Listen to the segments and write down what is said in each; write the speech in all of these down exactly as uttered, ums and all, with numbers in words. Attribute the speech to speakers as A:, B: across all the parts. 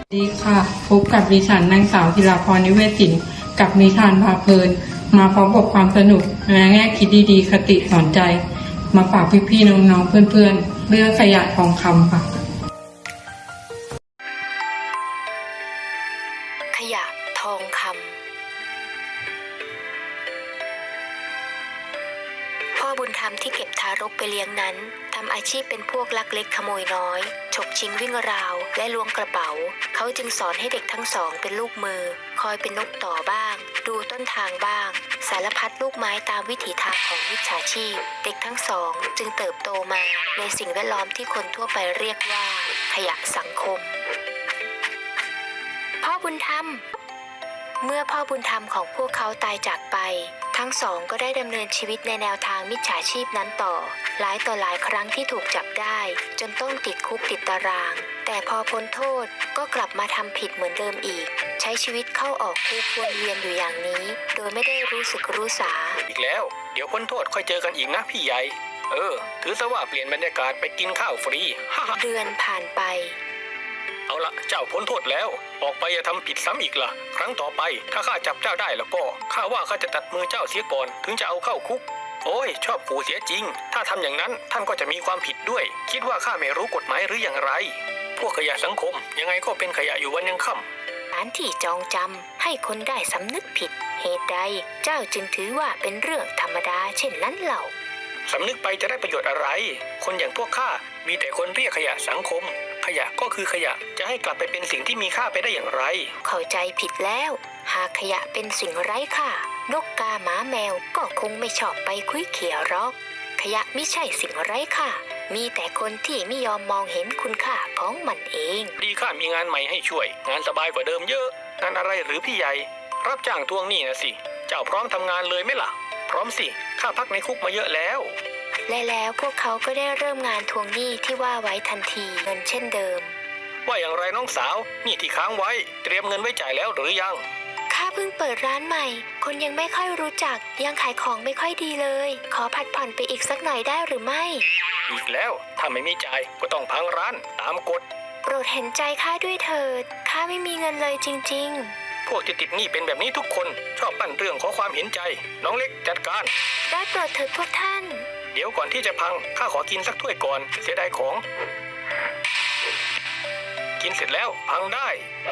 A: ดีค่ะพบกับดิฉันนางสาวธีราพรนิเวศศิลป์กับนิทานพาเพลินมาพร้อมกับความสนุกและแง่คิดดีๆคติสอนใจมาฝากพี่ๆน้องๆเพื่อนๆเรื่องขยะทองคำค่ะ
B: ขยะทองคำพ่อบุญธรรมที่เก็บทารกไปเลี้ยงนั้นทำอาชีพเป็นพวกลักเล็กขโมยน้อยฉกชิงวิ่งราวและล้วงกระเป๋าเขาจึงสอนให้เด็กทั้งสองเป็นลูกมือคอยเป็นนกต่อบ้างดูต้นทางบ้างสารพัดลูกไม้ตามวิถีทางของมิจฉาชีพเด็กทั้งสองจึงเติบโตมาในสิ่งแวดล้อมที่คนทั่วไปเรียกว่าขยะสังคมพ่อบุญธรรมเมื่อพ่อบุญธรรมของพวกเขาตายจากไปทั้งสองก็ได้ดำเนินชีวิตในแนวทางมิจฉาชีพนั้นต่อหลายต่อหลายครั้งที่ถูกจับได้จนต้องติดคุกติดตารางแต่พอพ้นโทษก็กลับมาทำผิดเหมือนเดิมอีกใช้ชีวิตเข้าออกคุกวนเวียนอยู่อย่างนี้โดยไม่ได้รู้สึกรู้สา
C: อีกแล้วเดี๋ยวพ้นโทษค่อยเจอกันอีกนะพี่ใหญ่เออถือซะว่าเปลี่ยนบรรยากาศไปกินข้าวฟรี
B: เดือนผ่านไป
C: เอาละเจ้าพ้นโทษแล้วออกไปอย่าทำผิดซ้ำอีกล่ะครั้งต่อไปถ้าข้าจับเจ้าได้แล้วก็ข้าว่าข้าจะตัดมือเจ้าเสียก่อนถึงจะเอาเข้าคุกโอ้ยชอบปู่เสียจริงถ้าทำอย่างนั้นท่านก็จะมีความผิดด้วยคิดว่าข้าไม่รู้กฎหมายหรืออย่างไรพวกขยะสังคมยังไงก็เป็นขยะอยู่วันยังค่
B: ำการที่จองจำให้คนได้สำนึกผิดเหตุใดเจ้าจึงถือว่าเป็นเรื่องธรรมดาเช่นนั้นเล่า
C: สำนึกไปจะได้ประโยชน์อะไรคนอย่างพวกข้ามีแต่คนเรียกขยะสังคมขยะก็คือขยะจะให้กลับไปเป็นสิ่งที่มีค่าไปได้อย่างไร
B: เข้าใจผิดแล้วหากขยะเป็นสิ่งไร้ค่านกกาหมาแมวก็คงไม่ชอบไปคุยเขี่ยหรอกขยะไม่ใช่สิ่งไร้ค่ามีแต่คนที่ไม่ยอมมองเห็นคุณค่าของมันเอง
C: ดีข้ามีงานใหม่ให้ช่วยงานสบายกว่าเดิมเยอะงานอะไรหรือพี่ใหญ่รับจ้างทวงหนี้นะสิเจ้าพร้อมทำงานเลยไหมล่ะพร้อมสิข้าพักในคุกมาเยอะแล้ว
B: และแล้วพวกเขาก็ได้เริ่มงานทวงหนี้ที่ว่าไว้ทันทีเงินเช่นเดิม
C: ว่าอย่างไรน้องสาวหนี้ที่ค้างไว้เตรียมเงินไว้จ่ายแล้วหรือยัง
B: ข้าเพิ่งเปิดร้านใหม่คนยังไม่ค่อยรู้จักยังขายของไม่ค่อยดีเลยขอผัดผ่อนไปอีกสักหน่อยได้หรือไม่
C: อีกแล้วถ้าไม่มีจ่ายก็ต้องพังร้านตามกฎ
B: โปรดเห็นใจข้าด้วยเถิดข้าไม่มีเงินเลยจริง
C: ๆพวกที่ติดหนี้เป็นแบบนี้ทุกคนชอบปั้นเรื่องขอความเห็นใจน้องเล็กจัดการ
B: ได้โปรดเถิดพวกท่าน
C: เดี๋ยวก่อนที่จะพังข้าขอกินสักถ้วยก่อนเสียดายของกินเสร็จแล้วพังได้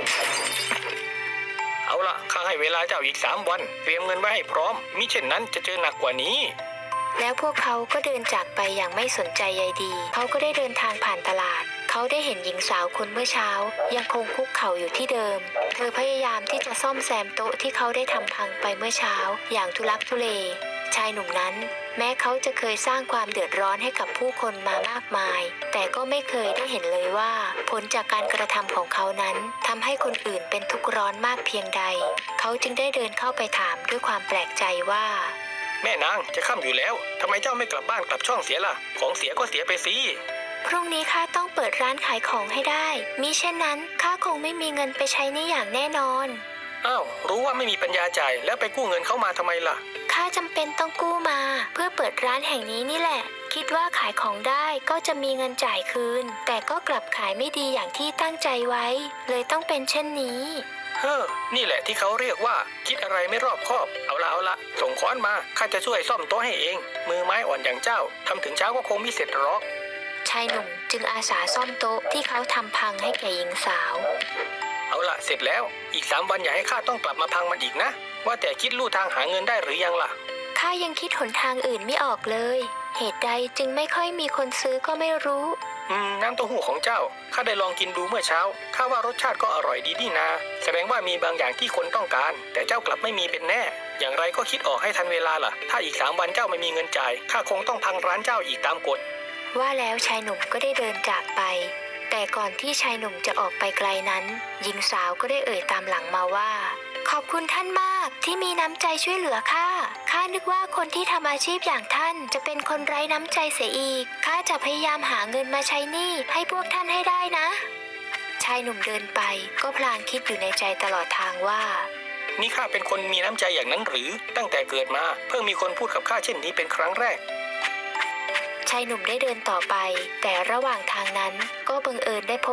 C: เอาล่ะข้าให้เวลาเจ้าอีกสามวันเตรียมเงินไว้ให้พร้อมมิเช่นนั้นจะเจอหนักกว่านี้
B: แล้วพวกเขาก็เดินจากไปอย่างไม่สนใจใยดีเขาก็ได้เดินทางผ่านตลาดเขาได้เห็นหญิงสาวคนเมื่อเช้ายังคงคุกเข่าอยู่ที่เดิมเธอพยายามที่จะซ่อมแซมโต๊ะที่เขาได้ทำพังไปเมื่อเช้าอย่างทุลักทุเลชายหนุ่มนั้นแม้เขาจะเคยสร้างความเดือดร้อนให้กับผู้คนมามากมายแต่ก็ไม่เคยได้เห็นเลยว่าผลจากการกระทำของเขานั้นทำให้คนอื่นเป็นทุกข์ร้อนมากเพียงใดเขาจึงได้เดินเข้าไปถามด้วยความแปลกใจว่า
C: แม่นางจะค่ำอยู่แล้วทำไมเจ้าไม่กลับบ้านกลับช่องเสียล่ะของเสียก็เสียไปสิ
B: พรุ่งนี้ข้าต้องเปิดร้านขายของให้ได้มิเช่นนั้นข้าคงไม่มีเงินไปใช้หนี้อย่างแน่นอน
C: อ้าวรู้ว่าไม่มีปัญญาจ่ายแล้วไปกู้เงินเข้ามาทำไมล่ะ
B: ข้าจำเป็นต้องกู้มาเพื่อเปิดร้านแห่งนี้นี่แหละคิดว่าขายของได้ก็จะมีเงินจ่ายคืนแต่ก็กลับขายไม่ดีอย่างที่ตั้งใจไว้เลยต้องเป็นเช่นนี้
C: เฮ้อนี่แหละที่เขาเรียกว่าคิดอะไรไม่รอบคอบเอาละเอาละส่งค้อนมาข้าจะช่วยซ่อมโต๊ะให้เองมือไม้อ่อนอย่างเจ้าทำถึงเช้าก็คงไม่เสร็จหรอก
B: ชายหนุ่มจึงอาสาซ่อมโต๊ะที่เขาทำพังให้แก่หญิงสาว
C: เอาละเสร็จแล้วอีกสามวันอย่าให้ข้าต้องกลับมาพังมันอีกนะว่าแต่คิดลู่ทางหาเงินได้หรือยังล่ะ
B: ข้ายังคิดหนทางอื่นไม่ออกเลยเหตุใดจึงไม่ค่อยมีคนซื้อก็ไม่รู้
C: อืมน้ำเต้าหู้ของเจ้าข้าได้ลองกินดูเมื่อเช้าข้าว่ารสชาติก็อร่อยดีนี่นาแสดงว่ามีบางอย่างที่คนต้องการแต่เจ้ากลับไม่มีเป็นแน่อย่างไรก็คิดออกให้ทันเวลาล่ะถ้าอีกสามวันเจ้าไม่มีเงินจ่ายข้าคงต้องพังร้านเจ้าอีกตามกฎ
B: ว่าแล้วชายหนุ่มก็ได้เดินจากไปแต่ก่อนที่ชายหนุ่มจะออกไปไกลนั้นหญิงสาวก็ได้เอ่ยตามหลังมาว่าขอบคุณท่านมากที่มีน้ำใจช่วยเหลือข้าข้านึกว่าคนที่ทำอาชีพอย่างท่านจะเป็นคนไร้น้ำใจเสียอีกข้าจะพยายามหาเงินมาใช้หนี้ให้พวกท่านให้ได้นะชายหนุ่มเดินไปก็พลางคิดอยู่ในใจตลอดทางว่า
C: นี่ข้าเป็นคนมีน้ำใจอย่างนั้นหรือตั้งแต่เกิดมาเพิ่งมีคนพูดกับข้าเช่นนี้เป็นครั้งแรก
B: ชายหนุ่มได้เดินต่อไปแต่ระหว่างทางนั้นก็บังเอิญได้พบ